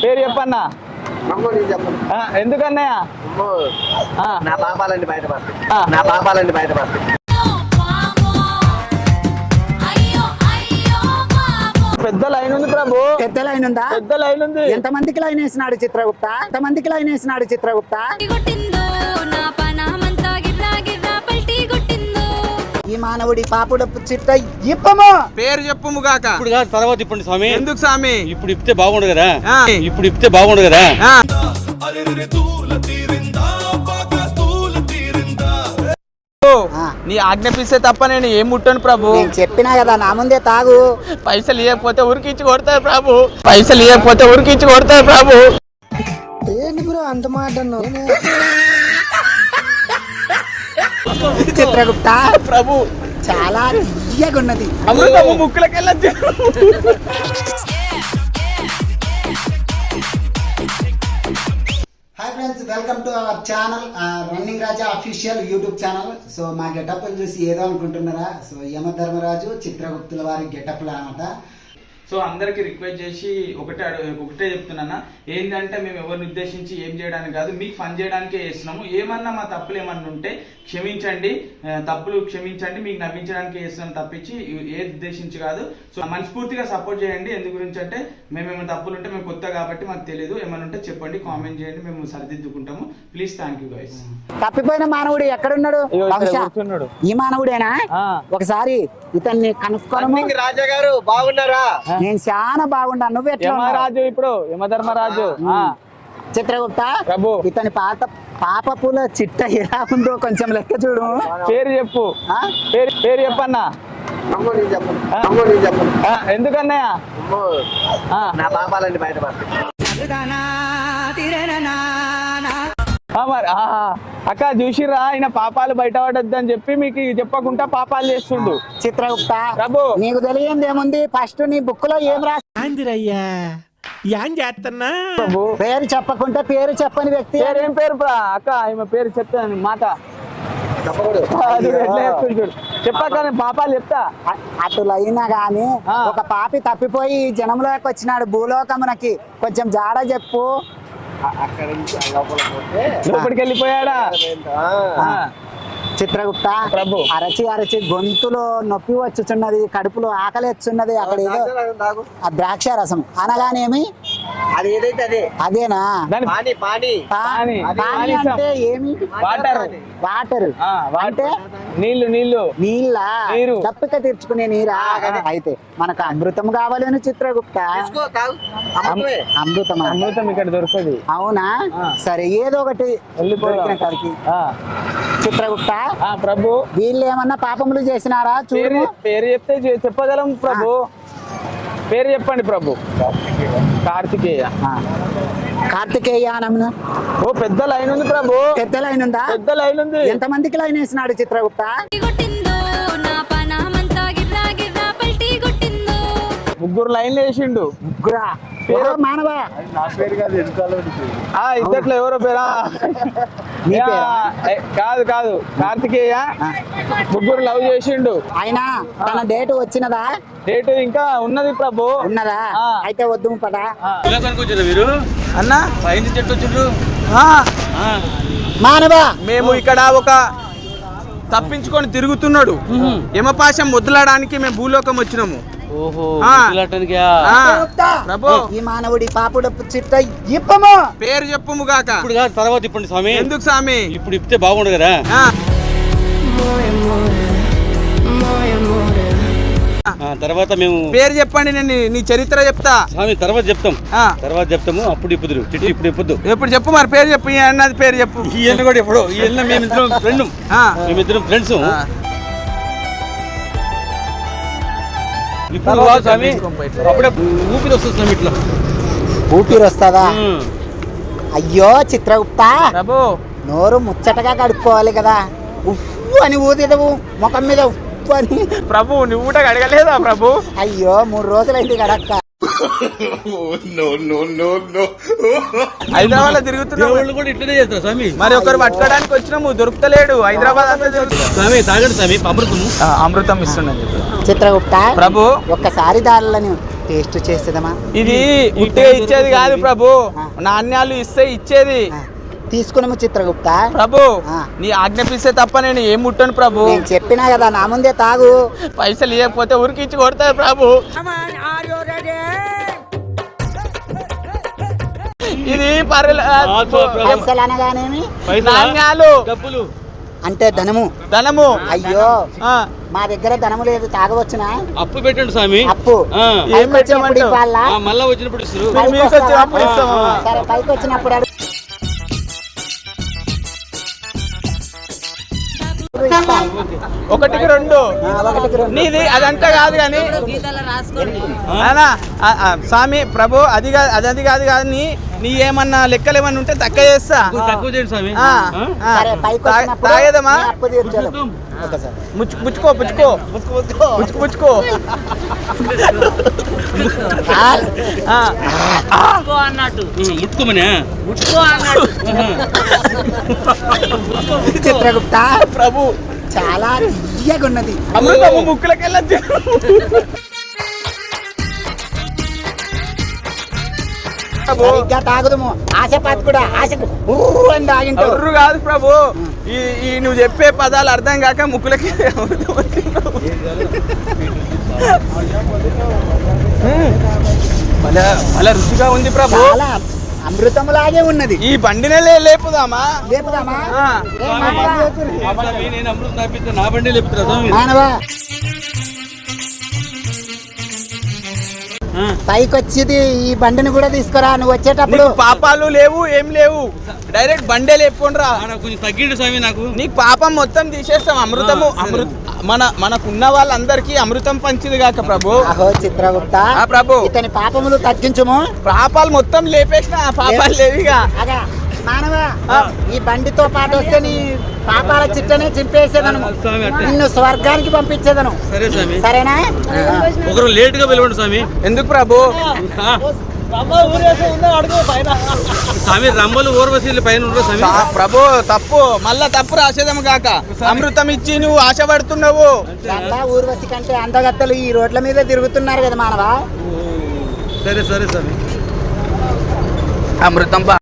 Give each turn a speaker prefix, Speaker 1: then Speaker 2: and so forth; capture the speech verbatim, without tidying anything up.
Speaker 1: పేరు చెప్పన్నా. ఎందుకన్నయ్య?
Speaker 2: నా పాపాలన్నీ బయటపడతాయి, నా పాపాలన్నీ బయటపడతాయి.
Speaker 1: పెద్ద లైన్ ఉంది ప్రభు.
Speaker 3: పెద్ద లైన్ ఉందా?
Speaker 1: పెద్ద లైన్ ఉంది.
Speaker 3: ఎంత మందికి లైన్ వేసినాడు చిత్రగుప్త? ఎంత మందికి లైన్ వేసినాడు చిత్రగుప్త? ఈ మానవుడి పాపుడు చిత్త ఇప్పము.
Speaker 1: పేరు చెప్పుము గాక.
Speaker 4: ఇప్పుడు కాదు, తర్వాత ఇప్పండి స్వామి.
Speaker 1: ఎందుకు స్వామి?
Speaker 4: ఇప్పుడు ఇప్పితే బాగుండు కదా. ఇప్పుడు ఇప్పితే బాగుండు కదా.
Speaker 1: నీ ఆజ్ఞాపిస్తే తప్ప నేను ఏం ముట్టను ప్రభు.
Speaker 3: నేను చెప్పినా కదా, నా ముందే తాగు.
Speaker 1: పైసలు ఇవ్వకపోతే ఉరికించి కొడతారు ప్రభు. పైసలు ఇవ్వకపోతే ఉరికించి కొడతారు ప్రభు.
Speaker 3: ఏంటి బ్రో అంత మాట అన్నావు? చిత్రగుప్త
Speaker 1: ప్రభు
Speaker 3: చాలా తీయగా ఉన్నది.
Speaker 1: అమృతము ముక్కులకెళ్ళచ్చు.
Speaker 3: Hi friends, welcome to our channel running Raja official YouTube channel. So మా గెటప్లు చూసి ఏదో అనుకుంటున్నారా? సో యమధర్మరాజు చిత్రగుప్తుల వారి గెటప్లు అనమాట.
Speaker 1: సో అందరికి రిక్వెస్ట్ చేసి ఒకటే ఒకటే చెప్తున్నా, ఏంటంటే మేము ఎవరిని ఉద్దేశించి ఏం చేయడానికి కాదు, మీకు ఫన్ చేయడానికే చేస్తున్నాము. ఏమన్నా మా తప్పులు ఏమన్నా ఉంటే క్షమించండి, తప్పులు క్షమించండి, మీకు నవ్వించడానికి చేస్తున్నాం తప్పించి ఏ ఉద్దేశించి కాదు. సో మనస్ఫూర్తిగా సపోర్ట్ చేయండి. ఎందు గురించి అంటే మేము ఏమైనా తప్పులు ఉంటే మేము కొత్త కాబట్టి మాకు తెలియదు, ఏమైనా ఉంటే చెప్పండి, కామెంట్ చేయండి, మేము సరిదిద్దుకుంటాము. Please, thank you guys.
Speaker 3: తప్పిపోయిన మానవుడు ఎక్కడున్నాడు? ఈ మానవుడేనా? ఒకసారి ఇతన్ని కనుక్కోను.
Speaker 2: రాజా గారు బాగున్నారా?
Speaker 3: నేను చాలా బాగుండా. నువ్వు ఎట్లా?
Speaker 1: యమరాజు ఇప్పుడు యమధర్మరాజు
Speaker 3: చిత్రగుప్త
Speaker 1: ప్రభు.
Speaker 3: ఇతని పాత పాపపుల చిట్ట ఎలా ఉందో కొంచెం లెక్క చూడు.
Speaker 1: పేరు చెప్పు. పేరు పేరు చెప్పన్నా. ఎందుకన్నయ్య?
Speaker 2: నా పాపాలన్నీ బయటపడతాయి.
Speaker 1: మరి అక్క చూసిరా, ఆయన పాపాలు బయటపడద్దు అని చెప్పి మీకు చెప్పకుండా పాపాలు చేస్తుండు.
Speaker 3: చిత్రగుప్త
Speaker 1: ప్రభు
Speaker 3: నీకు తెలియంది ఏముంది? ఫస్ట్ నీ బుక్ లో ఏం రాసిందిరయ్యా? పేరు చెప్పకుంటే పేరు చెప్పని వ్యక్తి.
Speaker 1: పేరేం పేరు అక్క? ఈమె పేరు చెప్తాను మాట చెప్పాక నేను పాపాలు చెప్తా.
Speaker 3: అటులైనా గాని ఒక పాపి తప్పిపోయి జనంలోకి వచ్చినాడు భూలోకమునకి. కొంచెం జాడ చెప్పు.
Speaker 1: లోపలికి వెళ్ళిపోయాడా
Speaker 3: చిత్రగుప్త?
Speaker 1: ప్రభు
Speaker 3: అరచి అరచి గొంతులో నొప్పి వచ్చుచున్నది, కడుపులో ఆకలి వచ్చున్నది. అక్కడ ఏదో ఆ ద్రాక్ష రసం అనగానేమి?
Speaker 2: అది ఏదైతే అదే
Speaker 3: అదేనా?
Speaker 2: పానీ పానీ
Speaker 3: పానీ అంటే ఏమి?
Speaker 1: వాటర్.
Speaker 3: వాటర్ అంటే
Speaker 1: నీళ్లు. నీళ్లు
Speaker 3: నీళ్ళ
Speaker 1: నీరు.
Speaker 3: తప్పిక తీర్చుకునే నీరా? అయితే మనకు అమృతం కావాలని చిత్రగుప్త. అమృతం
Speaker 1: అమృతం ఇక్కడ దొరుకుతుంది.
Speaker 3: అవునా? సరే, ఏదో ఒకటి దొరికిన కాడికి. చిత్రగుప్త
Speaker 1: ప్రభు
Speaker 3: వీళ్ళు ఏమన్నా పాపములు చేసినారా? చూడు.
Speaker 1: పేరు చెప్తే చెప్పగలం ప్రభు. పేరు చెప్పండి ప్రభు. కార్తికేయ.
Speaker 3: కార్తికేయ నమ్మున.
Speaker 1: ఓ పెద్ద లైన్ ఉంది ప్రభు.
Speaker 3: పెద్ద లైన్ ఉందా?
Speaker 1: పెద్ద లైన్ ఉంది.
Speaker 3: ఎంత మందికి లైన్ వేసినాడు చిత్రగుప్త?
Speaker 1: ముగ్గురు లైన్లు వేసిండు.
Speaker 3: ముగ్గురా? మానవా
Speaker 1: ఇద్దట్లో ఎవరో పేరా? కాదు కాదు కార్తికేయ ముగ్గురు లవ్ చేసిండు.
Speaker 3: ఆయన తన డేట్ వచ్చినదా?
Speaker 1: డేట్ ఇంకా ఉన్నది ప్రభు.
Speaker 3: ఉన్నదా? అయితే వద్దు పదా
Speaker 4: మీరు
Speaker 1: అన్నా
Speaker 4: చెట్టు వచ్చిండ్రు.
Speaker 3: మానవా
Speaker 1: మేము ఇక్కడ ఒక తప్పించుకొని తిరుగుతున్నాడు యమపాశం వదిలడానికి మేము భూలోకం వచ్చినాము.
Speaker 3: ఈ మానవుడి పాపుడు చిట్ట ఇప్పము.
Speaker 1: పేరు చెప్పుము గాక.
Speaker 4: ఇప్పుడు కాదు, తర్వాత ఇప్పండి స్వామి.
Speaker 1: ఎందుకు స్వామి?
Speaker 4: ఇప్పుడు ఇప్పితే బాగుండు కదా. తర్వాత మేము
Speaker 1: పేరు చెప్పండి, నేను నీ చరిత్ర చెప్తా
Speaker 4: స్వామి. తర్వాత చెప్తాం, తర్వాత చెప్తాము. అప్పుడు ఇప్పుదు చిట్టి ఇప్పుడు ఇప్పొద్దు.
Speaker 1: ఎప్పుడు చెప్పు మరి పేరు చెప్పు. ఈ అన్నది పేరు చెప్పు.
Speaker 4: ఈ అన్న కూడా ఎప్పుడు ఈ అన్న మేమిద్దరం ఫ్రెండ్. మేమిద్దరం ఫ్రెండ్స్. ఇప్పుడు స్వామి అప్పుడే ఊపిరి వస్తుంది స్వామి. ఇట్లా
Speaker 3: ఊపిరి వస్తుందా? అయ్యో చిత్రగుప్త
Speaker 1: ప్రభు,
Speaker 3: నోరు ముచ్చటగా కడుక్కోవాలి కదా. ఉప్పు అని ఊదిదవు ముఖం మీద ఉప్పు అని.
Speaker 1: ప్రభు నువ్వు కూడా కడగలేదా ప్రభు?
Speaker 3: అయ్యో మూడు రోజులైంది కడక్క.
Speaker 1: హైదరాబాద్ లో తిరుగుతున్నాము
Speaker 4: కూడా ఇట్లనే చేస్తారు స్వామి.
Speaker 1: మరి ఒకరు పట్టుకోవడానికి వచ్చినాము, దొరుకుతలేడు. హైదరాబాద్ అంతా
Speaker 4: స్వామి తాగండి స్వామి, అమృతం
Speaker 1: అమృతం ఇస్తున్నాను.
Speaker 3: చిత్రగుప్త
Speaker 1: ప్రభు
Speaker 3: ఒక్కసారి దారులని టేస్ట్ చేసేదమ్మా.
Speaker 1: ఇది ఉట్టిగా ఇచ్చేది కాదు ప్రభు, నాణ్యాలు ఇస్తే ఇచ్చేది.
Speaker 3: తీసుకున్నాము చిత్రగుప్త.
Speaker 1: ప్రభు నీ ఆజ్ఞాపిస్తే తప్ప నేను ఏం ముట్టను ప్రభు.
Speaker 3: నేను చెప్పినా కదా నా ముందే తాగు.
Speaker 1: పైసలు ఇవ్వకపోతే ఉరికిచ్చి కొడతారు ప్రభు. ఇది
Speaker 3: పైసలు అనగానేమి
Speaker 1: నాణ్యాలు
Speaker 4: డబ్బులు
Speaker 3: అంటే ధనము.
Speaker 1: ధనము.
Speaker 3: అయ్యో మా దగ్గర ధనము లేదు, తాగవచ్చునా?
Speaker 4: అప్పు పెట్టండి స్వామి.
Speaker 3: అప్పు
Speaker 1: ఏం పెట్టమంటే
Speaker 4: మళ్ళా వచ్చినప్పుడు ఇస్తారు.
Speaker 3: సరే పైకి వచ్చినప్పుడు అడుగు.
Speaker 1: ఒకటికి రెండు
Speaker 3: ఒకటికి రెండు
Speaker 1: నీది అదంతా కాదు కానీ స్వామి ప్రభు అది కాదు అది అది కాదు కానీ నీ ఏమన్నా లెక్కలు ఏమన్నా ఉంటే తక్కువ చేస్తా.
Speaker 4: తక్కువ చేయండి స్వామి.
Speaker 1: తాగేదమ్మా
Speaker 3: అప్పు తీర్చాలి.
Speaker 1: ముచ్చుకు ముచ్చుకో ముచ్చుకో ముచ్చుకు ముచ్చుకో
Speaker 4: అన్నట్టు ముట్టుకోమనే
Speaker 3: చిత్రగుప్త
Speaker 1: ప్రభు
Speaker 3: చాలా తీయగా ఉన్నది.
Speaker 1: అమృతము ముక్కులకెళ్ళి
Speaker 3: సరిగ్గా తాగుదము. ఆశపాతి కూడా ఆశకు అని తాగింటారు.
Speaker 1: ఎర్రు కాదు ప్రభు, ఈ ఈ నువ్వు చెప్పే పదాలు అర్థం కాక ముక్కులకి అలా రుచిగా ఉంది ప్రభు.
Speaker 3: చాలా అమృతములాగే ఉన్నది.
Speaker 1: ఈ బండినే లేపుదామా
Speaker 3: లేపుదామా?
Speaker 4: నేను అమృతం తాపిస్తే నా బండి లేపుతున్నా స్వామి.
Speaker 3: మానవా పైకి వచ్చేది ఈ బండిని కూడా తీసుకురా నువ్వు వచ్చేటప్పుడు.
Speaker 1: పాపాలు లేవు ఏం లేవు, డైరెక్ట్ బండే లేపుకుండ్రా.
Speaker 4: కొంచెం తగ్గిండు స్వామి నాకు.
Speaker 1: నీకు పాపం మొత్తం తీసేస్తాం. అమృతము అమృత మన మనకున్న వాళ్ళందరికీ అమృతం పంచింది కాక ప్రభు.
Speaker 3: అహో చిత్రగుప్త
Speaker 1: ప్రభు
Speaker 3: ఇతని పాపములు తగ్గించుము.
Speaker 1: పాపాలు మొత్తం లేపేసిన ఆ పాపాలు లేవిగా.
Speaker 3: మానవ ఈ బండితో పాటు వస్తే నీ పాపాల చిట్టనే చింపేసేదను, నిన్ను స్వర్గానికి పంపించేదను.
Speaker 4: సరే స్వామి.
Speaker 3: సరేనా?
Speaker 4: ఒకరు లేట్ గా పిలవండి స్వామి.
Speaker 1: ఎందుకు ప్రభు?
Speaker 4: స్వామి రమ్మలు ఊర్వశీలు పైన ఉండరు స్వామి.
Speaker 1: ప్రభు తప్పు, మళ్ళా తప్పు రాసేదము కాక. అమృతం ఇచ్చి నువ్వు ఆశపడుతున్నావు.
Speaker 3: ఊర్వశి కంటే అందగత్తలు ఈ రోడ్ల మీద తిరుగుతున్నారు కదా మానవా.
Speaker 4: సరే సరే స్వామి.
Speaker 1: అమృతం